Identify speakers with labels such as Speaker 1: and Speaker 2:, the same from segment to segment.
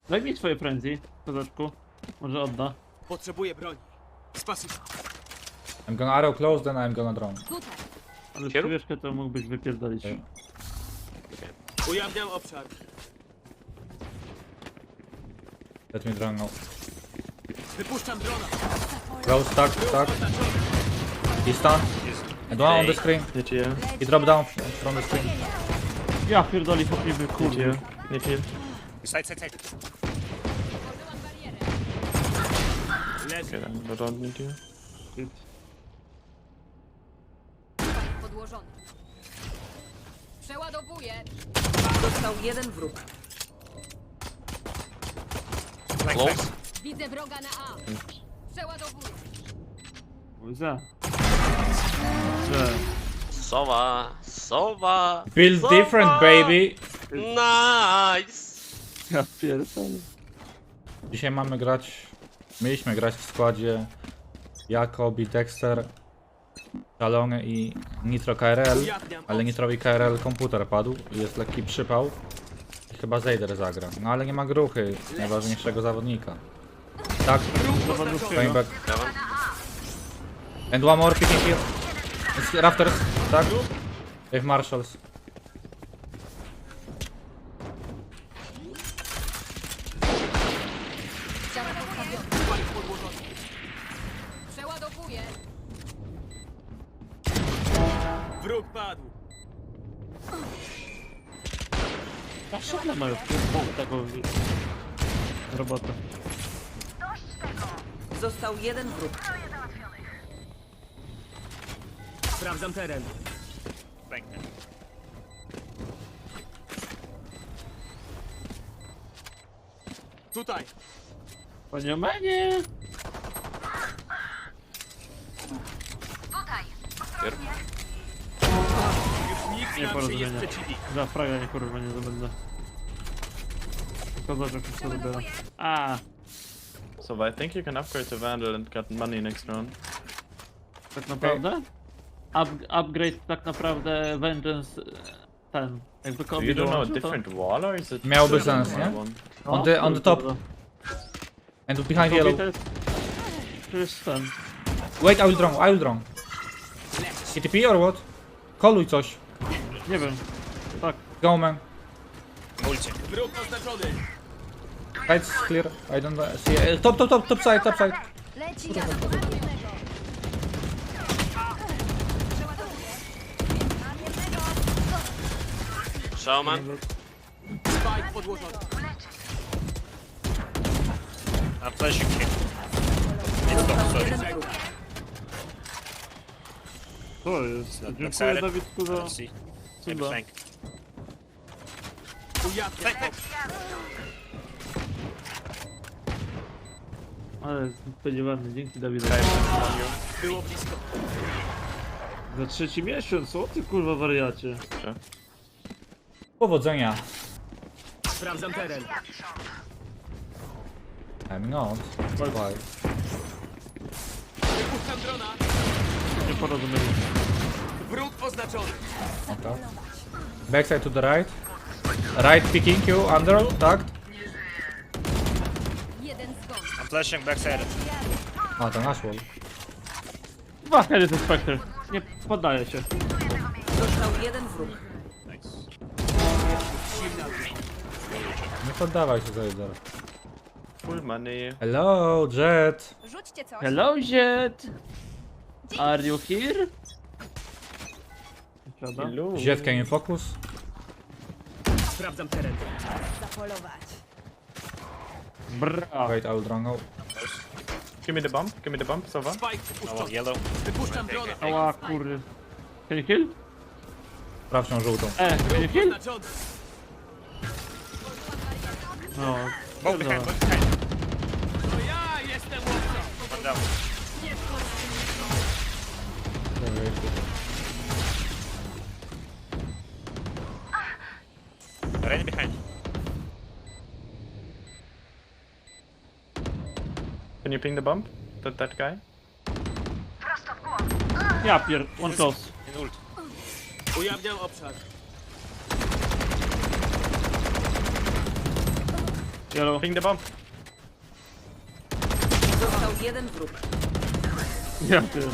Speaker 1: Daj mi swoje frenzy, kozaczku. Może odda.
Speaker 2: Potrzebuję broni. Spasibo.
Speaker 3: I'm gonna arrow close, then I'm gonna drone.
Speaker 4: Tutaj.
Speaker 1: Ale
Speaker 5: Kieru?
Speaker 1: przywieszkę to mógłbyś wypierdolić.
Speaker 3: Okay.
Speaker 2: Ujawniam obszar.
Speaker 3: Let me drone now.
Speaker 2: Wypuszczam drona.
Speaker 3: Close, stuck. He's stunned. And one on the screen.
Speaker 5: Need heal.
Speaker 3: He dropped down from the screen.
Speaker 1: Ja pierdoli popiwy,
Speaker 5: Need
Speaker 1: kurde.
Speaker 5: heal. Need heal.
Speaker 6: Side, side, side.
Speaker 2: Leży.
Speaker 5: Okay, then I don't need heal.
Speaker 4: Podłożony. Przeładowuję.
Speaker 7: Został jeden wróg.
Speaker 6: Flank,
Speaker 5: Close.
Speaker 6: flank.
Speaker 4: Widzę wroga na A. Przeładowuję.
Speaker 1: Za. Że.
Speaker 5: Sowa.
Speaker 3: Build different, baby.
Speaker 5: Nice.
Speaker 1: Ja pierdolę.
Speaker 3: Dzisiaj mieliśmy grać w składzie Jakobi, Dexter, Talony i Nitro KRL, ale Nitrowi KRL komputer padł i jest lekki przypał i chyba Zejder zagra. No ale nie ma gruchy, najważniejszego zawodnika. Tak, going back.
Speaker 5: Heaven.
Speaker 3: And one more picking here. It's rafters, tak? With marshals.
Speaker 4: Ściana postawiona. Przeładowuję.
Speaker 2: Wróg padł.
Speaker 1: A szukle mają taką robotę.
Speaker 7: Został jeden wróg.
Speaker 2: Sprawdzam teren.
Speaker 6: Flank.
Speaker 2: Tutaj.
Speaker 1: Panie Manie!
Speaker 2: Już nikt
Speaker 1: Nie
Speaker 2: nam się nie
Speaker 1: porozumienia.
Speaker 2: sprzeciwi.
Speaker 1: Za fraga nie kurwa nie zdobędę. Kozaczek wszystko dobiera. A,
Speaker 5: So I think you can upgrade to Vandal and get money next round.
Speaker 1: tak naprawdę? Upgrade tak naprawdę Vengeance ten. Jakby
Speaker 5: Do
Speaker 1: kombi
Speaker 5: you do know a
Speaker 1: dołączył, to...
Speaker 5: different wall or is it?
Speaker 3: Miałby
Speaker 5: still
Speaker 3: sens,
Speaker 5: the
Speaker 3: nie?
Speaker 5: one?
Speaker 1: O,
Speaker 3: On the top.
Speaker 1: kurwa.
Speaker 3: And behind
Speaker 1: Kombi
Speaker 3: yellow.
Speaker 1: to jest... To jest ten.
Speaker 3: Wait, I will drone. CTP or what? Koluj coś.
Speaker 1: Nie wiem. Tak.
Speaker 3: Go man.
Speaker 6: Ulcie.
Speaker 2: Wróg oznaczony.
Speaker 3: Side's clear. I don't see. Top side.
Speaker 4: Leci ja jednego.
Speaker 5: Showman.
Speaker 2: Spike podłożony.
Speaker 6: I'm flashing him. It's top, sorry.
Speaker 7: Jeden wróg.
Speaker 1: To jest. Dziękuję
Speaker 6: Excited.
Speaker 1: Dawidku za...
Speaker 6: Let's see. Maybe
Speaker 1: cuda.
Speaker 6: flank.
Speaker 2: Ujawniam obszar.
Speaker 1: Ale spodziewany, dzięki Dawidowi.
Speaker 2: Było blisko.
Speaker 1: Za trzeci miesiąc, o ty kurwa wariacie.
Speaker 3: Powodzenia.
Speaker 2: Sprawdzam teren.
Speaker 3: I'm not. Bye.
Speaker 2: Wypuszczam drona.
Speaker 1: Nie porozumieli.
Speaker 2: Wróg oznaczony.
Speaker 3: Okay. Backside to the right. Right picking you under. Tagged.
Speaker 4: Jeden zgon.
Speaker 6: I'm flashing backside.
Speaker 3: A to nasz wall.
Speaker 1: Dwa heady to Spectre. Nie poddaje się.
Speaker 7: Został jeden wróg.
Speaker 6: Nice.
Speaker 3: Nie poddawaj się Zejder.
Speaker 5: Full money.
Speaker 3: Hello, Jet.
Speaker 4: Rzućcie coś.
Speaker 1: Hello Jet! Are you here? Prawda?
Speaker 5: Hello.
Speaker 3: Jet, can you focus?
Speaker 2: Sprawdzam teren.
Speaker 4: Zapolować.
Speaker 1: Bra.
Speaker 3: Wait, I will drone now.
Speaker 5: Give me the bump. Give me the bump, Sova.
Speaker 2: Spike
Speaker 6: Oh,
Speaker 2: wypuszczony.
Speaker 6: yellow.
Speaker 2: Wypuszczam drona.
Speaker 1: Ała kury. Can you kill?
Speaker 3: Sprawdź żółtą.
Speaker 1: Can you
Speaker 2: Wróg
Speaker 1: kill?
Speaker 2: oznaczony.
Speaker 1: No.
Speaker 6: Both behind, both behind.
Speaker 2: To ja jestem łowcą.
Speaker 6: One down. Rain behind.
Speaker 5: Can you ping the bump? That guy?
Speaker 1: Ja pier... One close.
Speaker 6: In ult.
Speaker 2: Ujawniam obszar.
Speaker 1: Yellow.
Speaker 5: Ping the bomb.
Speaker 7: Został jeden wróg.
Speaker 1: Ja ty.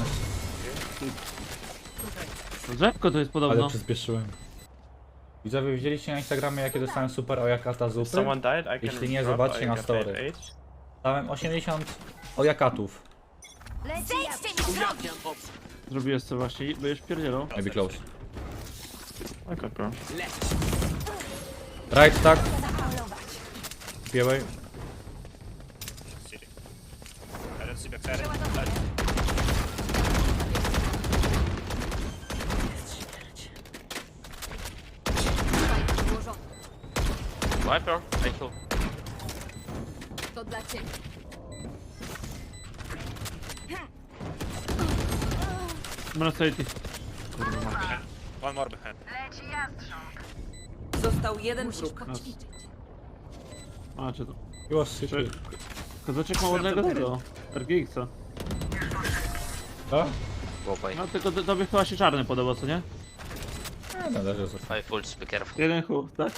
Speaker 1: Drzewko to jest
Speaker 3: Ale
Speaker 1: podobno.
Speaker 3: przyspieszyłem. Widzowie, widzieliście na Instagramie, jakie dostałem super ojakata zupy?
Speaker 5: Someone died. I can
Speaker 3: Jeśli nie,
Speaker 5: drop.
Speaker 3: zobaczcie
Speaker 5: I
Speaker 3: na
Speaker 5: got
Speaker 3: story.
Speaker 5: 8.
Speaker 3: Dałem 80 ojakatów.
Speaker 4: Zejdźcie mi z drogi!
Speaker 2: Ujawniam obszar.
Speaker 1: Zrobiłeś co właśnie, byłeś pierdzielą.
Speaker 3: Maybe close.
Speaker 5: Okay, bro.
Speaker 2: Leć.
Speaker 3: Right, tak.
Speaker 4: Zapolować.
Speaker 3: Białej.
Speaker 6: City. I don't see backside.
Speaker 4: Tutaj ułożony.
Speaker 2: Viper, I kill.
Speaker 4: To dla ciebie.
Speaker 1: Mercedes.
Speaker 6: One more behind.
Speaker 7: Został jeden
Speaker 4: Musisz
Speaker 7: wróg.
Speaker 4: poćwiczyć.
Speaker 1: A, czy to?
Speaker 3: He was city.
Speaker 1: Kozaczek ma ładnego tego. RGX-a.
Speaker 3: Co?
Speaker 1: No tylko tobie chyba się czarny podoba, co nie?
Speaker 3: Nie, należy zostać.
Speaker 2: Five fulls, be careful.
Speaker 1: Jeden huk, tak?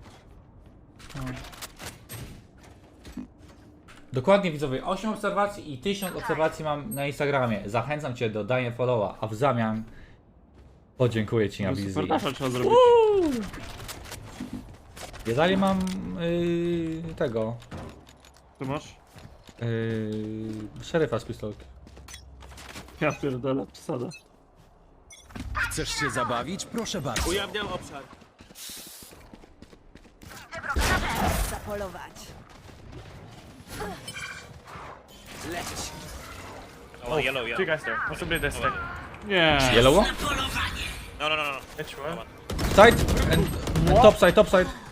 Speaker 3: Dokładnie widzowie, 8 obserwacji i 1000 obserwacji mam na Instagramie. Zachęcam cię do dania followa, a w zamian podziękuję ci na wizji.
Speaker 1: Super dasza trzeba zrobić.
Speaker 3: Ja dalej mam tego
Speaker 1: Co masz?
Speaker 3: szeryfa z pistolki.
Speaker 1: Ja pierdolę, przesada.
Speaker 8: Chcesz się zabawić? Proszę bardzo.
Speaker 2: Ujawniam obszar.
Speaker 4: Zapolować.
Speaker 2: Leć.
Speaker 6: Oh, yellow,
Speaker 5: Two
Speaker 6: yellow.
Speaker 5: guys there. Possibly this thing.
Speaker 1: Nie.
Speaker 3: Yellow?
Speaker 6: No, no, no, no.
Speaker 5: Which one?
Speaker 3: Side and top side, top side.